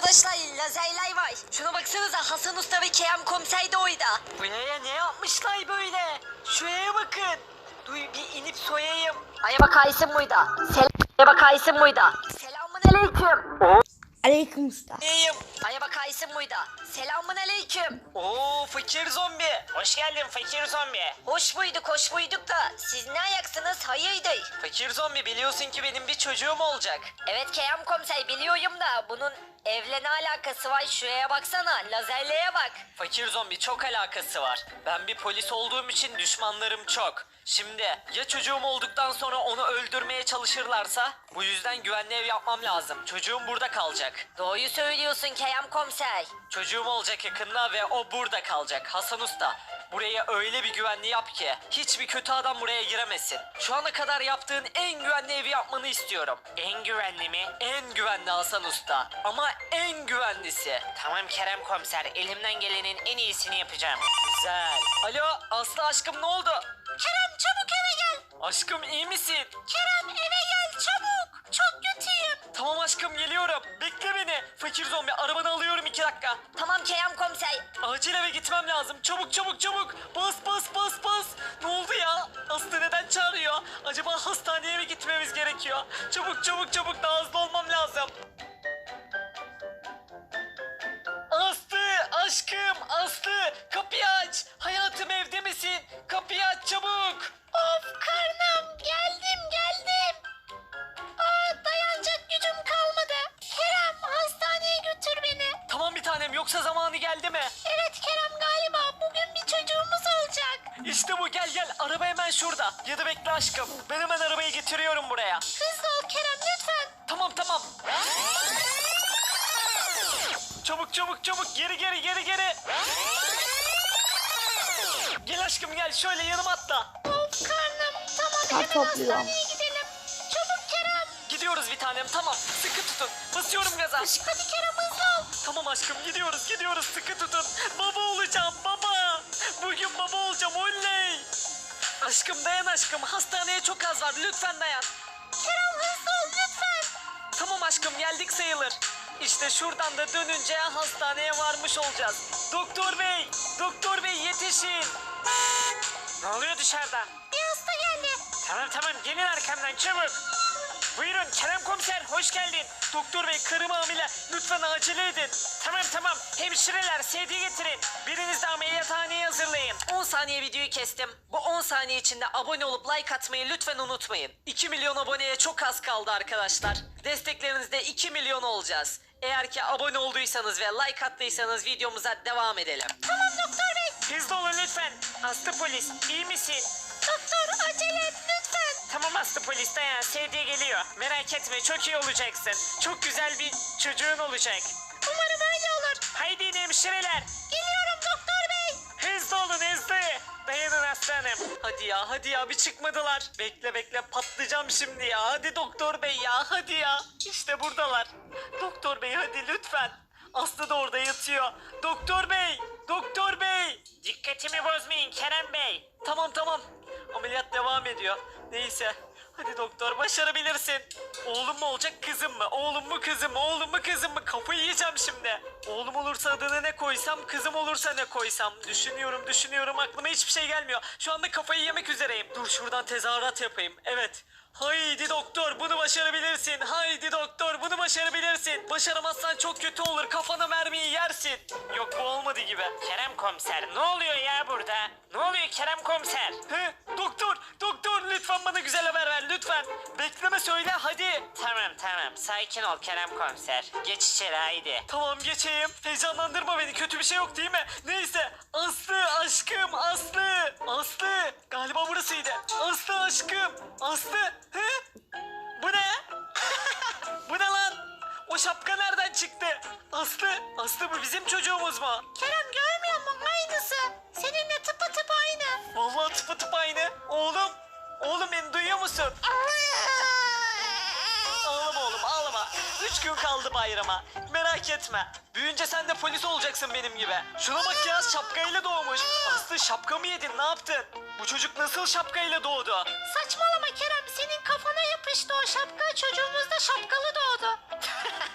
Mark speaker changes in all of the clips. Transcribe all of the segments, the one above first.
Speaker 1: Arkadaşlar lazerler var. Şuna baksanıza, Hasan Usta ve Kerem Komiser de orada.
Speaker 2: Buraya ne yapmışlar böyle? Şuraya bakın. Dur bir inip soyayım.
Speaker 1: Aya bakaysın burada. Aya bakaysın burada. Selamun aleyküm.
Speaker 3: Aleyküm usta.
Speaker 2: Neyim?
Speaker 1: Aya bakaysın burada. Selamun aleyküm.
Speaker 2: Oo fakir zombi. Hoş geldin fakir zombi.
Speaker 1: Hoş buyduk da siz ne ayaksınız, hayırdır?
Speaker 2: Fakir zombi biliyorsun ki benim bir çocuğum olacak.
Speaker 1: Evet Kerem Komiser, biliyorum da bunun evle ne alakası var? Şuraya baksana, lazerlere bak.
Speaker 2: Fakir zombi çok alakası var. Ben bir polis olduğum için düşmanlarım çok. Şimdi ya çocuğum olduktan sonra onu öldürmeye çalışırlarsa? Bu yüzden güvenli ev yapmam lazım. Çocuğum burada kalacak.
Speaker 1: Doğruyu söylüyorsun Kerem Komiser.
Speaker 2: Çocuğum olacak yakında ve o burada kalacak. Hasan Usta, buraya öyle bir güvenli yap ki hiçbir kötü adam buraya giremesin. Şu ana kadar yaptığın en güvenli evi yapmanı istiyorum. En güvenli mi? En güvenli Hasan Usta. Ama en güvenlisi. Tamam Kerem Komiser, elimden gelenin en iyisini yapacağım. Güzel. Alo Aslı aşkım, ne oldu?
Speaker 1: Kerem çabuk eve gel.
Speaker 2: Aşkım iyi misin?
Speaker 1: Kerem eve gel çabuk. Çok kötüyüm.
Speaker 2: Tamam aşkım, geliyorum. Bekle beni. Fakir zombi, arabanı alıyorum 2 dakika.
Speaker 1: Tamam Kerem Komiser.
Speaker 2: Acil eve gitmem lazım. Çabuk çabuk çabuk. Bas bas bas bas. Ne oldu ya? Aslı neden çağırıyor? Acaba hastaneye mi gitmemiz gerekiyor? Çabuk çabuk çabuk, daha hızlı olmam lazım. Aslı aşkım, Aslı kapıyı aç. Hayatım, evde misin? Kapıyı aç çabuk.
Speaker 1: Of karnım, geldim. Dayanacak gücüm kalmadı. Kerem hastaneye götür beni.
Speaker 2: Tamam bir tanem, yoksa zamanı geldi mi?
Speaker 1: Evet Kerem, galiba bugün bir çocuğumuz olacak.
Speaker 2: İşte bu, gel gel, araba hemen şurada. Ya da bekle aşkım, ben hemen arabayı getiriyorum buraya.
Speaker 1: Hızlı ol Kerem lütfen.
Speaker 2: Tamam tamam. Çabuk çabuk çabuk, geri geri geri geri. Gel aşkım gel, şöyle yanıma atla.
Speaker 1: Of karnım, tamam
Speaker 3: Kar
Speaker 1: hemen
Speaker 3: topluyorum.
Speaker 1: hastaneye gidelim. Çabuk Kerem.
Speaker 2: Gidiyoruz bir tanem, tamam. Sıkı tutun. Basıyorum gaza.
Speaker 1: Hadi Kerem hızlı ol.
Speaker 2: Tamam aşkım, gidiyoruz sıkı tutun. Baba olacağım baba. Bugün baba olacağım, oley. Aşkım dayan aşkım, hastaneye çok az var, lütfen dayan.
Speaker 1: Kerem hızlı ol lütfen.
Speaker 2: Tamam aşkım, geldik sayılır. İşte şuradan da dönünce hastaneye varmış olacağız. Doktor bey yetişin. Ne oluyor dışarıda?
Speaker 1: Bir hasta geldi.
Speaker 2: Tamam gelin arkamdan çabuk. Buyurun Kerem Komiser, hoş geldin. Doktor bey, karım hamile, lütfen acele edin. Tamam hemşireler sedye getirin. Biriniz de ameliyathaneye hazırlayın. 10 saniye videoyu kestim. Bu 10 saniye içinde abone olup like atmayı lütfen unutmayın. 2 milyon aboneye çok az kaldı arkadaşlar. Desteklerinizle 2 milyon olacağız. Eğer ki abone olduysanız ve like attıysanız videomuza devam edelim.
Speaker 1: Tamam doktor bey.
Speaker 2: Hızlı olun lütfen. Aslı polis, iyi misin?
Speaker 1: Doktor acele et lütfen.
Speaker 2: Tamam Aslı polis, dayan, sedye geliyor. Merak etme, çok iyi olacaksın. Çok güzel bir çocuğun olacak.
Speaker 1: Umarım öyle olur.
Speaker 2: Haydi hemşireler.
Speaker 1: Geliyorum doktor bey.
Speaker 2: Hızlı olun hızlı. Dayanın aslanım. Hadi ya bir çıkmadılar. Bekle patlayacağım şimdi ya. Hadi doktor bey ya, hadi ya. İşte buradalar. Doktor bey hadi lütfen. Aslı da orada yatıyor. Doktor bey. Dikkatimi bozmayın Kerem bey. Tamam. Ameliyat devam ediyor. Neyse. Hadi doktor, başarabilirsin. Oğlum mu olacak kızım mı? Oğlum mu kızım mı? Kafayı yiyeceğim şimdi. Oğlum olursa adını ne koysam, kızım olursa ne koysam? Düşünüyorum, aklıma hiçbir şey gelmiyor. Şu anda kafayı yemek üzereyim. Dur şuradan tezahürat yapayım. Evet. Haydi doktor, bunu başarabilirsin. Başaramazsan çok kötü olur. Kafana mermiyi yersin. Yok, bu olmadı gibi. Kerem komiser, ne oluyor ya burada? Ne oluyor Kerem komiser? Doktor lütfen bana güzel haber ver lütfen. Bekleme, söyle hadi. Tamam sakin ol Kerem komiser. Geç içeri haydi. Tamam geçeyim. Heyecanlandırma beni, kötü bir şey yok değil mi? Neyse. Aslı aşkım, Aslı. Galiba burasıydı. Aslı aşkım. Aslı. Bu ne? Bu ne lan? O şapka nereden çıktı? Aslı bu bizim çocuğumuz mu?
Speaker 1: Kerem görmüyor musun? Aynısı. Seninle tıpatıp aynı.
Speaker 2: Vallahi tıpatıp aynı. Oğlum beni duyuyor musun? Ağlama oğlum, ağlama. 3 gün kaldı bayrama. Merak etme. Büyünce sen de polis olacaksın benim gibi. Şuna bak ya, şapkayla doğmuş. Aslı, şapka mı yedin, ne yaptın? Bu çocuk nasıl şapkayla doğdu?
Speaker 1: Saçmalama Kerem, senin kafana yapıştı o şapka, çocuğumuz da şapkalı doğdu.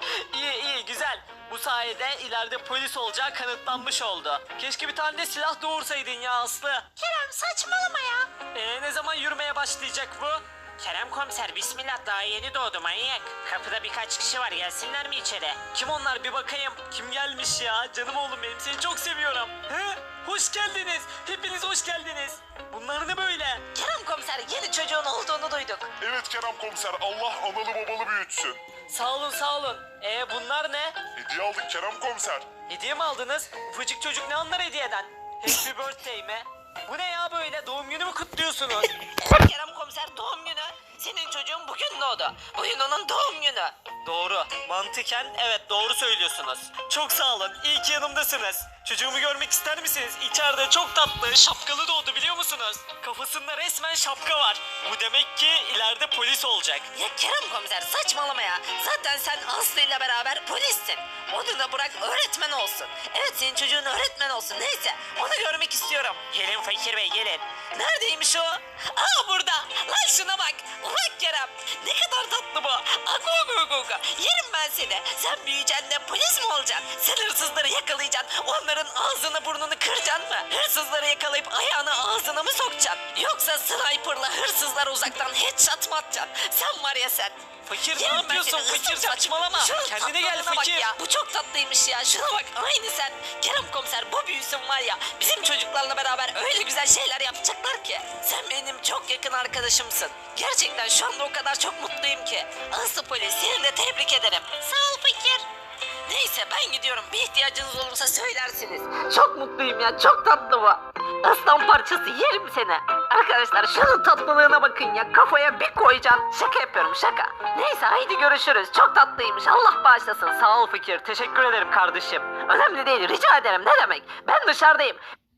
Speaker 2: İyi güzel. Bu sayede ileride polis olacağı kanıtlanmış oldu. Keşke bir tane de silah doğursaydın ya Aslı.
Speaker 1: Kerem saçmalama ya.
Speaker 2: Ne zaman yürümeye başlayacak bu? Kerem komiser bismillah daha yeni doğdu manyak. Kapıda birkaç kişi var gelsinler mi içeri? Kim onlar bir bakayım. Kim gelmiş ya? Canım oğlum benim seni çok seviyorum. He? Hoş geldiniz. Hepiniz hoş geldiniz. Bunlar ne böyle?
Speaker 1: Kerem komiser yeni çocuğun olduğunu duyduk.
Speaker 3: Evet Kerem komiser, Allah analı babalı büyütsün.
Speaker 2: Sağ olun sağ olun. Bunlar ne?
Speaker 3: Hediye aldık Kerem komiser.
Speaker 2: Hediye mi aldınız? Ufacık çocuk ne anlar hediyeden? Happy birthday mi? Bu ne ya böyle? Doğum günü mü kutluyorsunuz?
Speaker 1: Kerem komiser doğum günü. Senin çocuğun bugün doğdu. Bugün onun doğum günü.
Speaker 2: Doğru. Mantıken evet doğru söylüyorsunuz. Çok sağ olun. İyi ki yanımdasınız. Çocuğumu görmek ister misiniz? İçeride çok tatlı, şapkalı doğdu biliyor musunuz? Kafasında resmen şapka var. Bu demek ki ileride polis olacak.
Speaker 1: Ya Kerem komiser saçmalama ya. Zaten sen Aslı ile beraber polissin. Onu da bırak öğretmen olsun. Evet senin çocuğun öğretmen olsun. Neyse onu görmek istiyorum.
Speaker 2: Gelin Fakir Bey gelin.
Speaker 1: Neredeymiş o? Aa burada. Lan şuna bak. Bak Kerem. Ne kadar tatlı bu. Ago. Yerim ben seni. Sen büyüyeceksin de polis mi olacaksın? Sen hırsızları yakalayacaksın. Onların ağzını burnunu kıracaksın mı? Hırsızları yakalayıp ayağını ağzına mı sokacaksın? Yoksa sniperla hırsızlara uzaktan headshot mı atacaksın? Sen var ya sen.
Speaker 2: Fakir ne
Speaker 1: Yerim ben
Speaker 2: yapıyorsun?
Speaker 1: seni,
Speaker 2: Fakir
Speaker 1: ısıracağım.
Speaker 2: saçmalama.
Speaker 1: Şunun
Speaker 2: Kendine gel
Speaker 1: tatlılığına bak
Speaker 2: Fakir.
Speaker 1: ya. Bu çok tatlıymış ya. Şuna bak aynı sen. Kerem komiser bu büyüsün var ya. Bizim çocuklarla beraber öyle güzel şeyler yapacaklar ki. Sen benim çok yakın arkadaşımsın. Gerçekten şu anda o kadar çok mutluyum ki. Aslı polis seni de tebrik ederim. Sağ ol Fakir. Neyse ben gidiyorum. Bir ihtiyacınız olursa söylersiniz. Çok mutluyum ya. Çok tatlı bu. Aslan parçası yerim seni. Arkadaşlar şunun tatlılığına bakın ya. Kafaya bir koyacaksın. Şaka yapıyorum şaka. Neyse haydi görüşürüz. Çok tatlıymış. Allah bağışlasın.
Speaker 2: Sağ ol Fakir. Teşekkür ederim kardeşim.
Speaker 1: Önemli değil. Rica ederim. Ne demek? Ben dışarıdayım.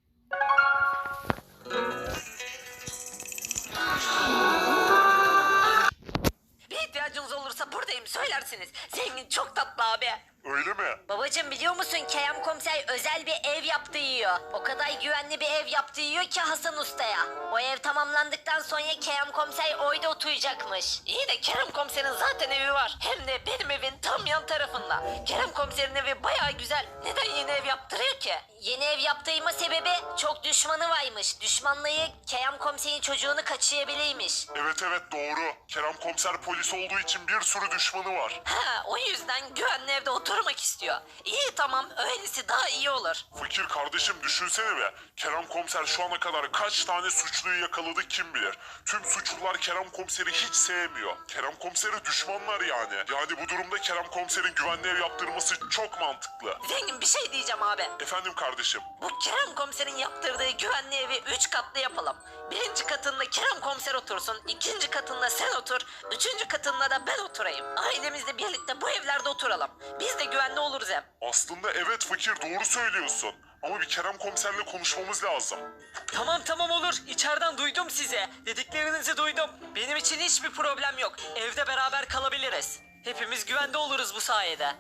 Speaker 1: Bir ihtiyacınız olursa buradayım. Söylersiniz. Zengin çok tatlı abi.
Speaker 3: Öyle mi?
Speaker 1: Babacım biliyor musun Kerem komiser özel bir ev yaptı yiyor. O kadar güvenli bir ev yaptı yiyor ki Hasan Usta'ya. O ev tamamlandıktan sonra Kerem komiser orada oturacakmış. İyi de Kerem komiserin zaten evi var. Hem de benim evin tam yan tarafında. Kerem komiserin evi baya güzel. Neden yeni ev yaptırıyor ki? Yeni ev yaptırma sebebi çok düşmanı varmış. Düşmanlığı Kerem komiserin çocuğunu kaçırabilirmiş.
Speaker 3: Evet doğru. Kerem komiser polis olduğu için bir sürü düşmanı var.
Speaker 1: Ha o yüzden güvenli evde oturmak istiyor. İyi tamam öylesi daha iyi olur.
Speaker 3: Fakir kardeşim düşünsene be. Kerem komiser şu ana kadar kaç tane suçluyu yakaladı kim bilir. Tüm suçlular Kerem komiseri hiç sevmiyor. Kerem komiseri düşmanlar yani. Yani bu durumda Kerem komiserin güvenli ev yaptırması çok mantıklı.
Speaker 1: Zengin bir şey diyeceğim abi.
Speaker 3: Efendim kardeşim.
Speaker 1: Bu Kerem komiserin yaptırdığı güvenli evi 3 katlı yapalım. Birinci katında Kerem komiser otursun, ikinci katında sen otur, üçüncü katında da ben oturayım. Ailemizle birlikte bu evlerde oturalım. Biz de güvenli oluruz hem.
Speaker 3: Aslında evet fakir doğru söylüyorsun. Ama bir Kerem komiserle konuşmamız lazım.
Speaker 2: Tamam olur. İçeriden duydum sizi. Dediklerinizi duydum. Benim için hiçbir problem yok. Evde beraber kalabiliriz. Hepimiz güvende oluruz bu sayede.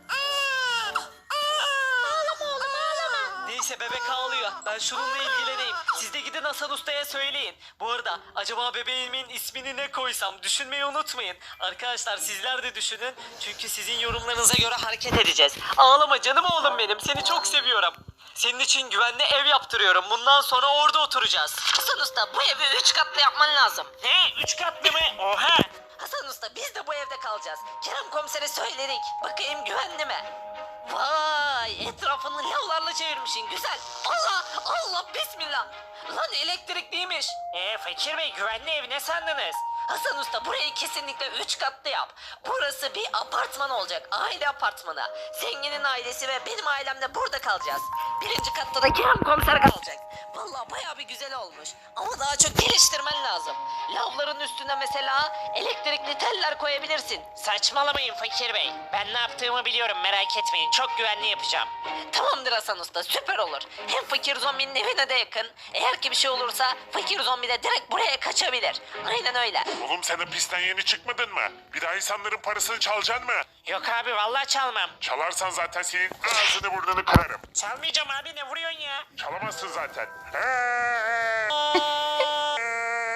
Speaker 1: Ağlama oğlum ağlama.
Speaker 2: Neyse bebek ağlıyor. Ben şununla ilgileneyim. Siz de gidin Hasan Usta'ya söyleyin. Bu arada acaba bebeğimin ismini ne koysam düşünmeyi unutmayın. Arkadaşlar sizler de düşünün. Çünkü sizin yorumlarınıza göre hareket edeceğiz. Ağlama canım oğlum benim. Seni çok seviyorum. Senin için güvenli ev yaptırıyorum. Bundan sonra orada oturacağız.
Speaker 1: Hasan Usta bu evi 3 katlı yapman lazım.
Speaker 2: Ne? 3 katlı mı? Oha!
Speaker 1: Hasan Usta biz de bu evde kalacağız. Kerem komisere söyledik. Bakayım güvenli mi? Vay etrafını lavlarla çevirmişsin güzel. Allah bismillah. Lan elektrikliymiş.
Speaker 2: Fakir Bey güvenli ev ne sandınız?
Speaker 1: Hasan Usta burayı kesinlikle 3 katlı yap. Burası bir apartman olacak. Aile apartmanı. Zenginin ailesi ve benim ailem de burada kalacağız. Birinci katta da Kerem komiser kalacak. Vallahi bayağı bir güzel olmuş. Ama daha çok geliştirmen lazım. Lavların üstüne mesela elektrikli teller koyabilirsin.
Speaker 2: Saçmalamayın Fakir Bey. Ben ne yaptığımı biliyorum merak etmeyin. Çok güvenli yapacağım.
Speaker 1: Tamamdır Hasan Usta süper olur. Hem fakir zombinin evine de yakın. Eğer ki bir şey olursa fakir zombi de direkt buraya kaçabilir. Aynen öyle.
Speaker 3: Oğlum sen hapisten yeni çıkmadın mı? Bir daha insanların parasını çalacaksın mı?
Speaker 2: Yok abi vallahi çalmam.
Speaker 3: Çalarsan zaten senin ağzını burnunu kırarım.
Speaker 2: Çalmayacağım abi ne vuruyorsun ya?
Speaker 3: Çalamazsın zaten.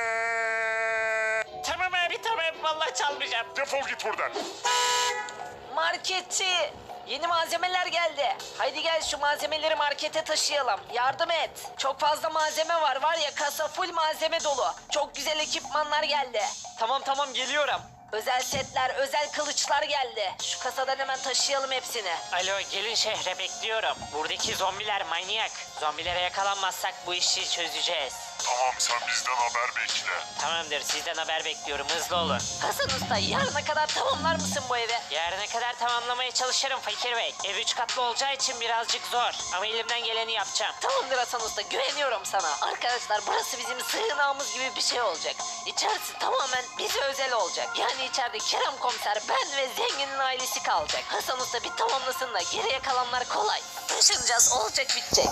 Speaker 2: Tamam abi tamam vallahi çalmayacağım.
Speaker 3: Defol git buradan.
Speaker 1: Marketçi. Yeni malzemeler geldi. Haydi gel şu malzemeleri markete taşıyalım. Yardım et. Çok fazla malzeme var ya kasa full malzeme dolu. Çok güzel ekipmanlar geldi.
Speaker 2: Tamam geliyorum.
Speaker 1: Özel setler, özel kılıçlar geldi. Şu kasadan hemen taşıyalım hepsini.
Speaker 2: Alo gelin şehre bekliyorum. Buradaki zombiler manyak. Zombilere yakalanmazsak bu işi çözeceğiz.
Speaker 3: Tamam sen bizden haber bekle.
Speaker 2: Tamamdır sizden haber bekliyorum hızlı olun.
Speaker 1: Hasan Usta yarına kadar tamamlar mısın bu evi?
Speaker 2: Yarına kadar tamamlamaya çalışırım Fakir Bey. Ev 3 katlı olacağı için birazcık zor. Ama elimden geleni yapacağım.
Speaker 1: Tamamdır Hasan Usta güveniyorum sana. Arkadaşlar burası bizim sığınağımız gibi bir şey olacak. İçerisi tamamen bize özel olacak. Yani içeride Kerem Komiser, ben ve zenginin ailesi kalacak. Hasan Usta bir tamamlasın da geriye kalanlar kolay. Taşınacağız olacak bitecek.